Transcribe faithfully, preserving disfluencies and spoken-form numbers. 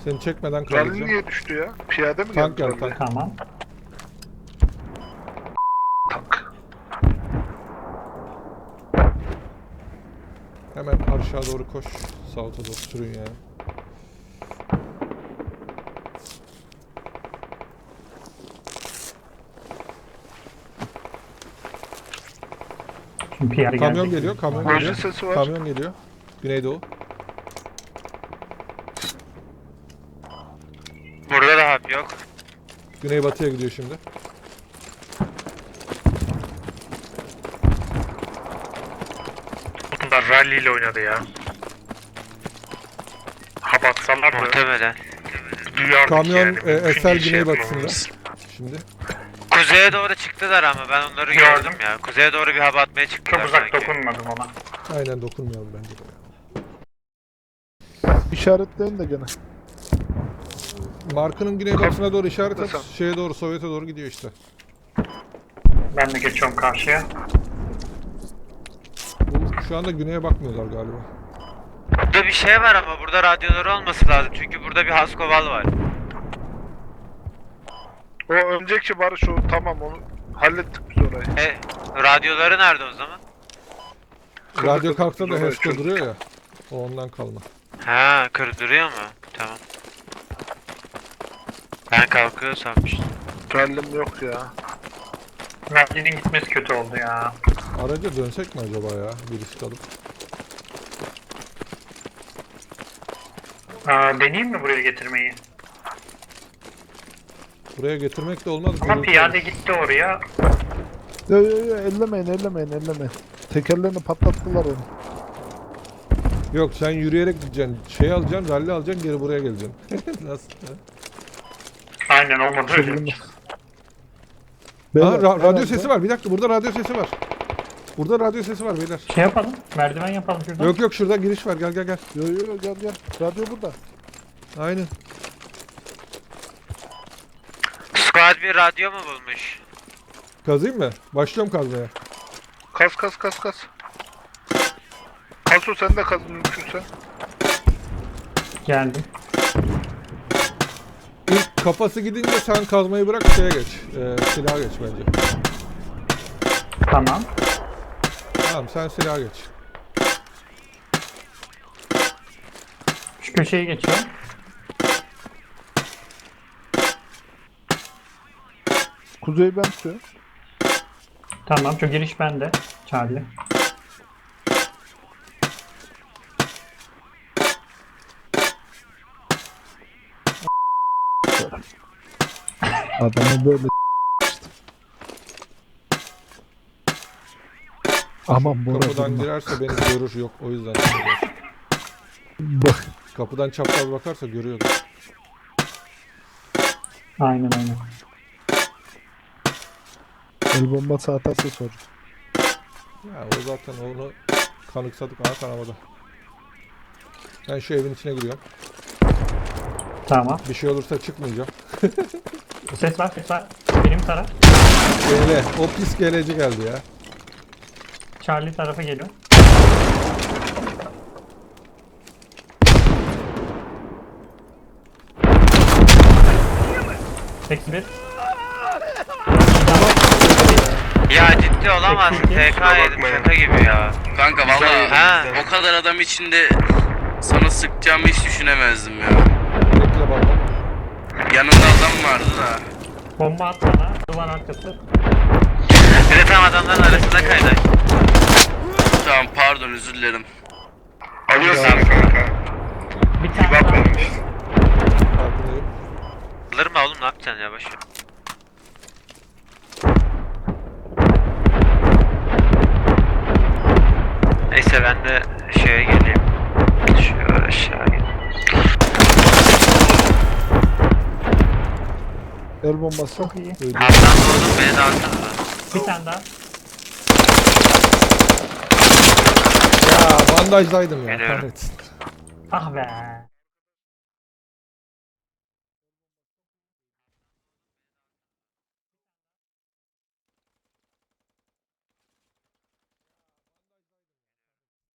Seni çekmeden Rally kaldıracağım. niye düştü ya? Piyade mi Tank geldi? geldi, tank. Tamam. Tank. Hemen aşağı doğru koş. South'a doğru sürün yani. Şimdi P R Kamyon gelecek. geliyor, kamyon Marjin geliyor. sesi var. Kamyon geliyor. Güneydoğu. Burada da hap yok. Güneybatıya gidiyor şimdi. Bunlar rally ile oynadı ya. Hap atsalar da Muhtemelen. duyardık Kamyon yani. e, Mümkün Esel değil şey güneybatısında. yapmamız. Şimdi. Kuzeye doğru çıktılar ama ben onları Gördüm. gördüm ya. Kuzeye doğru bir hap atmaya çıktılar Çok uzak sanki. dokunmadım ona. Aynen dokunmayalım bence de. İşaretleyin de gene. Markının güneybatısına doğru işaret at. Nasıl? Şeye doğru, Sovyet'e doğru gidiyor işte. Ben de geçiyorum karşıya. Bu, şu anda güneye bakmıyorlar galiba. Burada bir şey var ama burada radyoları olması lazım. Çünkü burada bir Haskoval var. O önceki barış o tamam onu hallettik biz orayı. E, radyoları nerede o zaman? Radyo kalksa da Orayı Hesko çözdük. duruyor ya. O ondan kalma. Ha, kırdırıyor mu? Tamam. Ben kalkıyor sanmıştım. Rallim yok ya. Rally'nin gitmesi kötü oldu ya. Araca dönsek mi acaba ya? Bir risk alıp. Aa, deneyeyim mi buraya getirmeyi? Buraya getirmek de olmaz. Ama gürültü piyade olur. gitti oraya. Yo yo yo ellemeyin ellemeyin ellemeyin. Tekerlerini patlattılar onu. Yok sen yürüyerek gideceksin. Şey alacaksın, rally alacaksın, geri buraya geleceksin. Nasıl? Aynen olmadı öyle. Çılgınlık. Aa, Beyler, ra- radyo herhalde- sesi var. Bir dakika, burada radyo sesi var. Burada radyo sesi var beyler. Şey yapalım. Merdiven yapalım şuradan. Yok yok, şurada giriş var. Gel gel gel. Yo yo yo gel gel. Radyo burada. Aynen. Squad bir radyo mu bulmuş? Kazayım mı? Başlıyorum kazmaya. Kas kas kas kas. Kaso sen de kaz mümkünse. Geldim. İlk kafası gidince sen kazmayı bırak, şeye geç. Ee, silaha geç bence. Tamam. Tamam, sen silaha geç. Şu köşeye geçiyorum. Kuzeyi ben tutuyorum. Tamam. Şu giriş bende. Charlie. Adamı böyle Aman Bora Kapıdan durma. girerse beni görür, yok o yüzden. Bak. Kapıdan çapraz bakarsa görüyordu. Aynen aynen. El bombası atarsa sor. Ya o zaten onu kanıksadık, ana kanamada. Ben şu evin içine giriyorum. Tamam. Bir şey olursa çıkmayacağım. Ses var ses var. Benim taraf. Gele, o pis geleci geldi ya. Charlie tarafa geliyor. Eksi bir. Ya ciddi olamazsın. Peki, T K yedim şaka gibi ya. Kanka valla Ha. o kadar adam içinde sana sıkacağımı hiç düşünemezdim ya. Bekle baba. Yanında adam vardı da. Bomba at bana. Duvar arkası. Bir de tam adamların arasında kaydı. Tamam pardon özür dilerim. Alıyorsun kanka. Bir tane Bak daha. benim. Farkındayım. Alır mı oğlum, ne yapacaksın ya, boşver. Neyse ben de şeye geleyim. Şöyle aşağı geleyim. El bombası. Çok iyi. Duydum. Alttan vurdum, beni de alsana da. Bir tane daha. Ya bandajdaydım ya. Geliyorum. Kahretsin. Ah be.